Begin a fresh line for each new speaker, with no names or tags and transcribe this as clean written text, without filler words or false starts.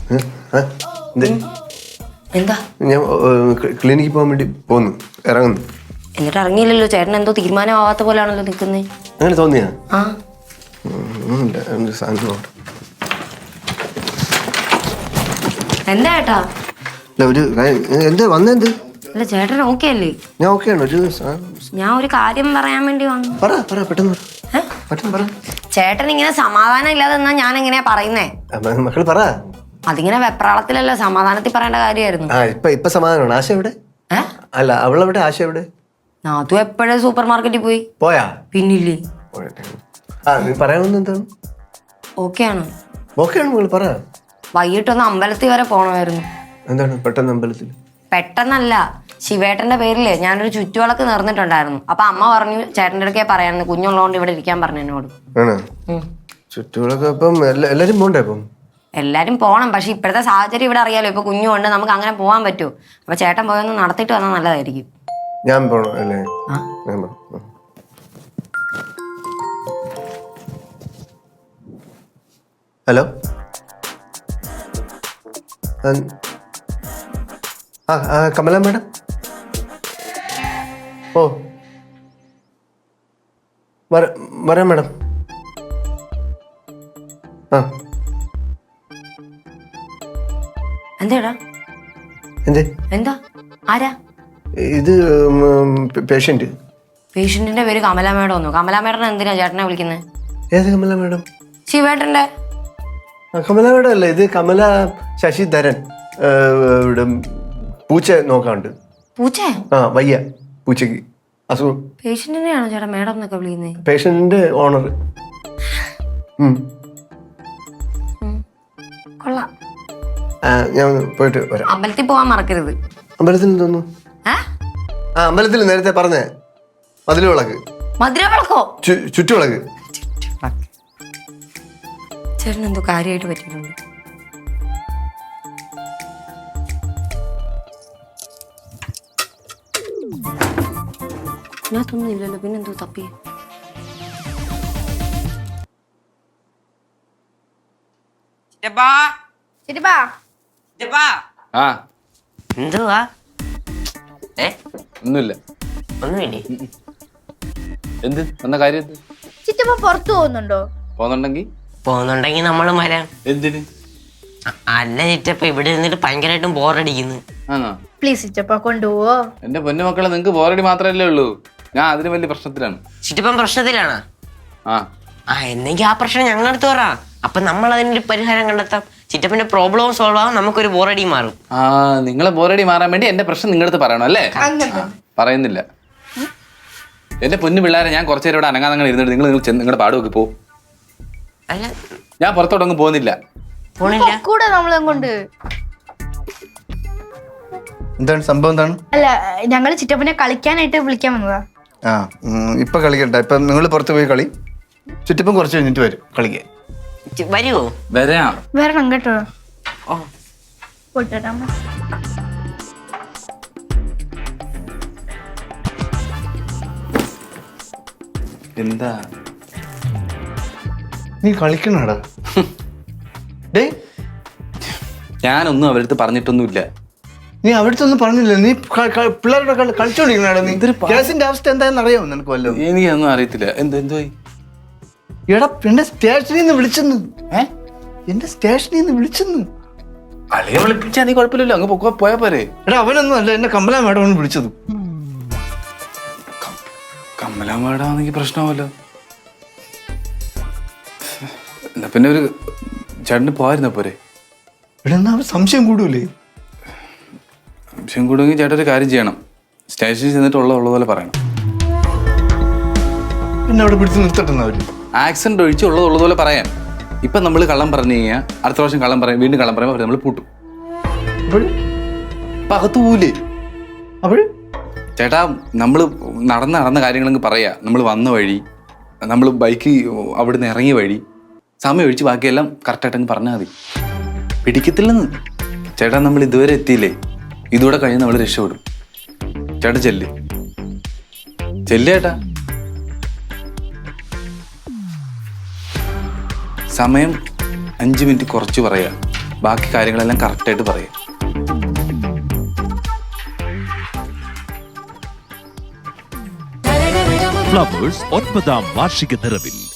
എന്താ?
ഞാൻ ക്ലിനിക്കിൽ പോകാൻ വേണ്ടി പോകുന്നു, ഇറങ്ങുന്നു.
എന്നിട്ട് ഇറങ്ങിയില്ലല്ലോ, ചേട്ടൻ എന്തോ തീരുമാനമാവാത്ത പോലെയാണല്ലോ നിൽക്കുന്നത്.
അങ്ങനെ തോന്നിയാ?
ആ എന്താ ഏട്ടാ?
ഒരു എന്ത് വന്നെന്ത്?
അല്ല ചേട്ടൻ ഓക്കെ അല്ലേ?
ഞാൻ ഓക്കെയാണ്.
ഞാൻ ഒരു കാര്യം പറയാൻ വേണ്ടി വന്നു.
പറ പെട്ടെന്ന് പറ.
ചേട്ടൻ ഇങ്ങനെ സമാധാനം ഇല്ലാതെ എന്നാ ഞാൻ എങ്ങനെയാ പറയുന്നേ?
മക്കൾ പറ.
അതിങ്ങനെ വെപ്രാളത്തിലല്ല, സമാധാനത്തിൽ പറയേണ്ട കാര്യമായിരുന്നു.
ഇപ്പൊ സമാധാനമാണ്. ആശ എവിടെ? അല്ല അവളെവിടെ? ആശ എവിടെ?
നാത്തു എപ്പോഴേ സൂപ്പർ മാർക്കറ്റിൽ
പോയാ?
പിന്നില്ലേ.
നീ പറയാവുന്ന എന്താണ്?
ഓക്കെയാണ്
മകൾ പറ.
വൈകിട്ടൊന്ന് അമ്പലത്തിൽ വരെ പോണമായിരുന്നു.
എന്താണ് പെട്ടെന്ന് അമ്പലത്തിൽ?
പെട്ടെന്നല്ല, ശിവേട്ടന്റെ പേരില് ഞാനൊരു ചുറ്റുവിളക്ക് നേർന്നിട്ടുണ്ടായിരുന്നു. അപ്പൊ അമ്മ പറഞ്ഞു ചേട്ടന്റെ അടുക്കേ പറയാന്ന്, കുഞ്ഞുള്ളതുകൊണ്ട് ഇവിടെ ഇരിക്കാൻ പറഞ്ഞു എന്നോട്.
ചുറ്റുവിളക്ക് അപ്പം എല്ലാരും പോണ്ടേ? അപ്പം
എല്ലാരും പോണം, പക്ഷെ ഇപ്പോഴത്തെ സാഹചര്യം ഇവിടെ അറിയാലോ. ഇപ്പൊ കുഞ്ഞുണ്ട്, നമുക്ക് അങ്ങനെ പോകാൻ പറ്റുമോ? അപ്പൊ ചേട്ടൻ പോയൊന്ന് നടത്തിയിട്ട് വന്നാൽ നല്ലതായിരിക്കും.
ഞാൻ പോണോ അല്ലേ? Hello, Kamala madam. ഓ വരാം മാഡം.
എന്താ എന്താ? ആരാ
ഇത്?
പേഷ്യന്റിന്റെ പേര് കമല മേഡം ഒന്നു. കമല മേഡനെ എന്തിനാ ചേട്ടനെ വിളിക്കുന്നത്?
ഏത് കമല മേഡം?
ശിവേട്ടന്റെ.
കമല മേഡം അല്ലേ ഇത്? കമല ശശിധരൻ. ഇവിടെ പൂച്ച നോക്കാണ്ട്.
പൂച്ച?
വയ്യ പൂച്ചക്ക് അസുഖം.
പേഷ്യന്റിനെയാണോ ചേട്ടാ മേഡം എന്നൊക്കെ വിളിക്കുന്നത്?
പേഷ്യന്റിന്റെ ഓണർ.
കൊള്ളാം.
ഞാൻ പോയിട്ട് വരാം.
അമ്പലത്തിൽ പോവാൻ മറക്കരുത്.
അമ്പലത്തിൽ തോന്നുന്നു. അമ്പലത്തിൽ നേരത്തെ പറഞ്ഞേ മധുരവിളക്ക്.
മധുരവിളക്കോ?
ചുറ്റുവിളക്ക്.
ചേട്ടൻ എന്തോ കാര്യമായിട്ട് പറ്റിയിട്ടുണ്ട്. ഇതിനകത്തൊന്നും ഇല്ലല്ലോ, പിന്നെന്തോ തപ്പി. എന്തുവാ?
ഒന്നുമില്ല.
ഒന്നുമില്ലേ?
എന്ത് വന്ന കാര്യം?
ചിറ്റപ്പ പുറത്തു
പോകുന്നുണ്ടെങ്കിൽ നമ്മള് വരാം.
എന്തിന്?
അല്ല ചിറ്റപ്പ, ഇവിടെ ഇരുന്നിട്ട് ഭയങ്കരമായിട്ടും ബോറടിക്കുന്നു.
പ്ലീസ് ചിറ്റപ്പ കൊണ്ടുപോവോ?
എന്റെ പൊന്നു മക്കളെ, നിങ്ങക്ക് ബോറടി മാത്രല്ലേ ഉള്ളൂ. ഞാൻ അതിന് വലിയ പ്രശ്നത്തിലാണ്.
ചിറ്റപ്പൻ പ്രശ്നത്തിലാണ്? എന്നെങ്കിൽ ആ പ്രശ്നം ഞങ്ങളടുത്ത് പറ. അപ്പൊ നമ്മൾ അതിനൊരു പരിഹാരം കണ്ടെത്താം. ചിറ്റപ്പന്റെ പ്രോബ്ലം സോൾവ് ആവും, നമുക്കൊരു ബോറടി മാറും.
നിങ്ങളെ ബോറടി മാറാൻ വേണ്ടി എന്റെ പ്രശ്നം നിങ്ങളടുത്ത് പറയണം അല്ലേ? പറയുന്നില്ല. എന്റെ പൊന്നു പിള്ളേരെ, ഞാൻ കുറച്ചു നേരം ഇവിടെ അനങ്ങാതങ്ങനെ ഇരുന്നിട്ട് നിങ്ങൾ നിങ്ങളുടെ പാടുമൊക്കെ പോ. ഞാൻ പുറത്തോട്ടൊന്നും പോകുന്നില്ല.
കൂടെ നമ്മളെങ്ങോട്ട്.
എന്താണ് സംഭവം? എന്താണ്?
അല്ല, ഞങ്ങള് ചിറ്റപ്പനെ കളിക്കാനായിട്ട് വിളിക്കാൻ വന്നതാ.
ഇപ്പൊ കളിക്കട്ടെ. ഇപ്പൊ നിങ്ങൾ പുറത്ത് പോയി കളി. ചുറ്റിപ്പം കുറച്ച് കഴിഞ്ഞിട്ട് വരും കളിക്കാൻ.
വരുമോ?
വരണം കേട്ടോ. പോട്ടെ.
എന്താ
നീ കളിക്കണടാ?
ഞാനൊന്നും അവരടുത്ത് പറഞ്ഞിട്ടൊന്നുമില്ല.
നീ അവിടുത്തെ ഒന്നും പറഞ്ഞില്ല. നീ പിള്ളേരുടെ കളിച്ചോണ്ടിരിക്കണാടാ. നീ കേസിന്റെ അവസ്ഥ എന്താണെന്ന് അറിയാമോ നിനക്ക്? വല്ലോ
എനിക്കൊന്നും അറിയത്തില്ല. എന്തുവായി?
എടാ, എന്റെ സ്റ്റേഷനിൽ നിന്ന് വിളിച്ചെന്ന്. എന്റെ സ്റ്റേഷനിൽ നിന്ന് വിളിച്ചെന്ന്.
അളിയെ വിളിപ്പിച്ചാ നീ കുഴപ്പമില്ലല്ലോ, അങ്ങ് പോയാ പോരെ.
എടാ, അവനൊന്നും അല്ല, എന്നെ കമല മാഡമാണ് വിളിച്ചത്.
കമല മാഡാണെങ്കിൽ പ്രശ്നമല്ലോ. എന്നാ പിന്നെ ഒരു ചേട്ടന് പോയിരുന്ന പോരെ?
എടാ, എന്നാ സംശയം കൂടൂലേ?
സംശയം കൂടുമെങ്കിൽ ചേട്ടൻ ഒരു കാര്യം ചെയ്യണം. സ്റ്റേഷനിൽ ചെന്നിട്ട് ഉള്ളതുപോലെ പറയണം.
പിന്നെ അവിടെ പിടിച്ച് നിർത്തട്ടെന്ന് അവര്.
ആക്സിഡന്റ് ഒഴിച്ച് ഉള്ളതുപോലെ പറയാൻ. ഇപ്പൊ നമ്മൾ കള്ളം പറഞ്ഞു കഴിഞ്ഞാൽ അടുത്ത പ്രാവശ്യം കള്ളം പറയും, വീണ്ടും കള്ളം പറയുമ്പോൾ നമ്മൾ പൂട്ടും. അപ്പൊ അകത്ത് പോവില്ലേ?
അപ്പോഴും
ചേട്ടാ, നമ്മൾ നടന്ന കാര്യങ്ങളെങ്കിൽ പറയാ. നമ്മൾ വന്ന വഴി, നമ്മൾ ബൈക്ക് അവിടുന്ന് ഇറങ്ങിയ വഴി, സമയം ഒഴിച്ച് ബാക്കിയെല്ലാം കറക്റ്റായിട്ടങ്ങ് പറഞ്ഞാൽ മതി. പിടിക്കത്തില്ലെന്ന്. ചേട്ടാ, നമ്മൾ ഇതുവരെ എത്തിയില്ലേ? ഇതുകൂടെ കഴിഞ്ഞ് നമ്മൾ രക്ഷപ്പെടും. ചേട്ടാ ചെല്ലേട്ടാ. സമയം 5 മിനിറ്റ് കുറച്ച് പറയാ. ബാക്കി കാര്യങ്ങളെല്ലാം കറക്റ്റായിട്ട് പറയാം.
ഫ്ലവേഴ്സ് 9ാം വാർഷിക നിറവിൽ